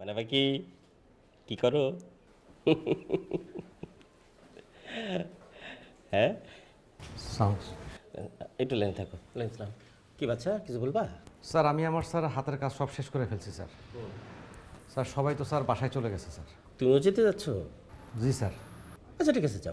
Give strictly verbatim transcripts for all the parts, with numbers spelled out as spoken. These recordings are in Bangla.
মানে বাকি কি করো? হ্যাঁ, সাউন্ড একটু লাইন থাকো, লাইন ছিলাম। কি বাচ্চা, কিছু বলবা? স্যার আমি আমার স্যার হাতের কাজ সব শেষ করে ফেলছি স্যার। স্যার সবাই তো স্যার বাসায় চলে গেছে স্যার। তুমিও যেতে যাচ্ছ? জি স্যার। আচ্ছা ঠিক আছে, যাও।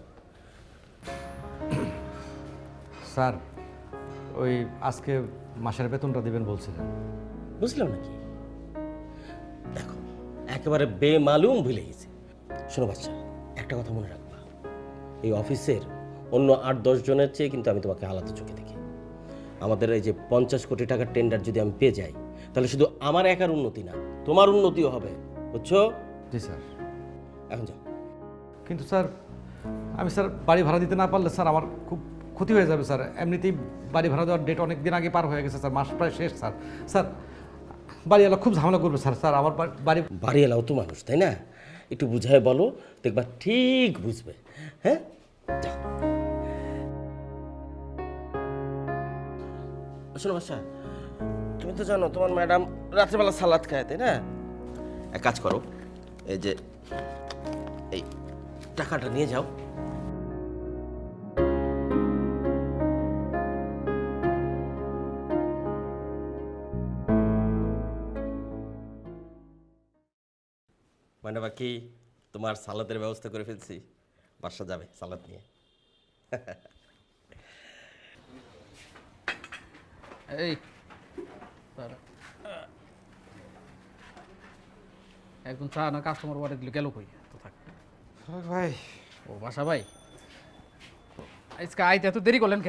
স্যার ওই আজকে মাসের বেতনটা দিবেন বলছিলেন। বুঝলাম নাকি? দেখো, একেবারে বেমালুম ভুলে গেছি। শোনো বাচ্চা, একটা কথা মনে রাখবা, এই অফিসের অন্য আট দশ জনের চেয়ে কিন্তু আমি তোমাকে আলাদা চোখে দেখি। আমাদের এই যে পঞ্চাশ কোটি টাকার টেন্ডার যদি আমি পেয়ে যাই, তাহলে শুধু আমার একার উন্নতি না, তোমার উন্নতিও হবে, বুঝছো? জি স্যার। এখন যাও। কিন্তু স্যার আমি স্যার বাড়ি ভাড়া দিতে না পারলে স্যার আমার খুব ক্ষতি হয়ে যাবে স্যার। এমনিতেই বাড়ি ভাড়া দেওয়ার ডেট অনেক দিন আগে পার হয়ে গেছে স্যার, মাস প্রায় শেষ স্যার। স্যার বাড়িওয়ালা খুব ঝামেলা করবে স্যার। স্যার আমার বাড়ি বাড়ি এলাও তো মানুষ, তাই না? একটু বুঝায় বলো, দেখবা ঠিক বুঝবে। হ্যাঁ, যাও। শোনো বাসা, তুমি তো জানো তোমার ম্যাডাম রাত্রেবেলা সালাদ খায়, তাই না? এক কাজ করো, এই যে এই টাকাটা নিয়ে যাও। মানে বাকি তোমার সালাদের ব্যবস্থা করে ফেলছি, বাসা যাবে সালাদ নিয়ে। এই দাঁড়া। একজন চা না কাস্টমার অর্ডার দিল, গেল কই? তো থাক ভাই। ও বাসা ভাই, আজকে আইতে এত দেরি করলেন কে?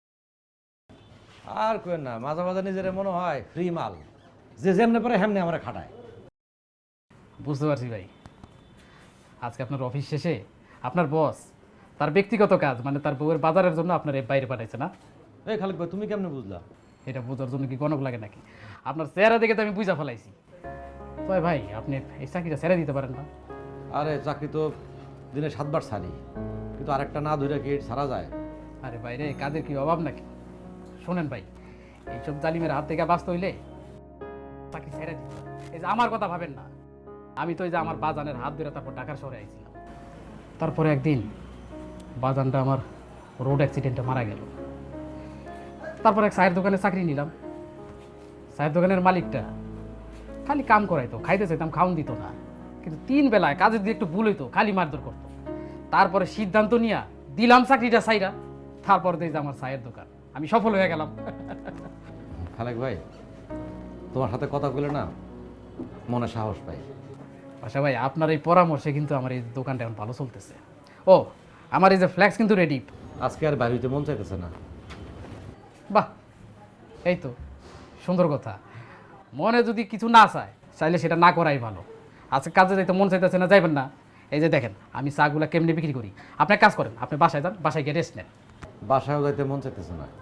আর কেন না, মাঝে মাঝে নিজের মনে হয় ফ্রি মাল, যে যেমনে পারে হেমনে আমরা খাটায়। বুঝতে পারছি ভাই, আজকে আপনার অফিস শেষে আপনার বস তার ব্যক্তিগত কাজ মানে তার বউয়ের বাজারের জন্য আপনার এই বাইরে পাঠাইছে না? এই খালিক ভাই তুমি কেমনে বুঝলা? এটা বোঝার জন্য কি গণক লাগে নাকি? আপনার চেহারা দেখে তো আমি বুঝা ফেলাইছি। তবে ভাই আপনি এই চাকরিটা ছেড়ে দিতে পারেন না? আরে চাকরি তো দিনে সাতবার ছাড়ি, কিন্তু আরেকটা না ধরে কি ছাড়া যায়? আরে বাইরে কাজের কি অভাব নাকি? শোনেন ভাই, এইসব জালিমের হাত থেকে বাঁচতে হইলে চাকরি ছেড়ে দিতে হবে। এই যে আমার কথা ভাবেন না, আমি তো এই যে আমার বাজানের হাত ধরে তারপর ঢাকার শহরে আইছিলাম। তারপরে একদিন বাজানটা আমার রোড অ্যাক্সিডেন্টে মারা গেল। তারপর এক চায়ের দোকানে চাকরি নিলাম। চায়ের দোকানের মালিকটা খালি কাম করাইতো, খাইতে চাইতাম খাওন দিত না, কিন্তু তিন বেলায় কাজের দিয়ে একটু ভুল হইতো খালি মারধর করতো। তারপরে সিদ্ধান্ত নিয়া দিলাম চাকরিটা চাইরা, তারপর দেখি যে আমার চায়ের দোকান, আমি সফল হয়ে গেলাম। খালেক ভাই তোমার সাথে কথা বলে না মনে সাহস পাই। আচ্ছা ভাই, আপনার এই পরামর্শে কিন্তু আমার এই দোকানটা এখন ভালো চলতেছে। ও আমার এই যে ফ্ল্যাক্স কিন্তু রেডি। আজকে আর বাড়িতে মন চাইতেছে না। বাহ, এই তো সুন্দর কথা। মনে যদি কিছু না চায়, চাইলে সেটা না করাই ভালো। আজকে কাজে যাইতে মন চাইতেছে না, যাইবেন না। এই যে দেখেন আমি চাগুলা কেমনি বিক্রি করি, আপনি এক কাজ করেন, আপনি বাসায় যান, বাসায় গিয়ে রেস্ট নেন। বাসায়ও যাইতে মন চাইতেছে না।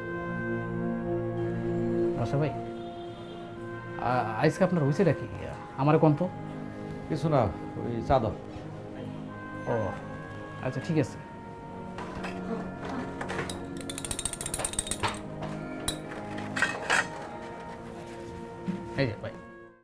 আচ্ছা ভাই, আ- আজকে আপনার হয়েছে নাকি? আমার কোন তো কিছু না, ওই চাদর। ও আচ্ছা ঠিক আছে। এই যে ভাই,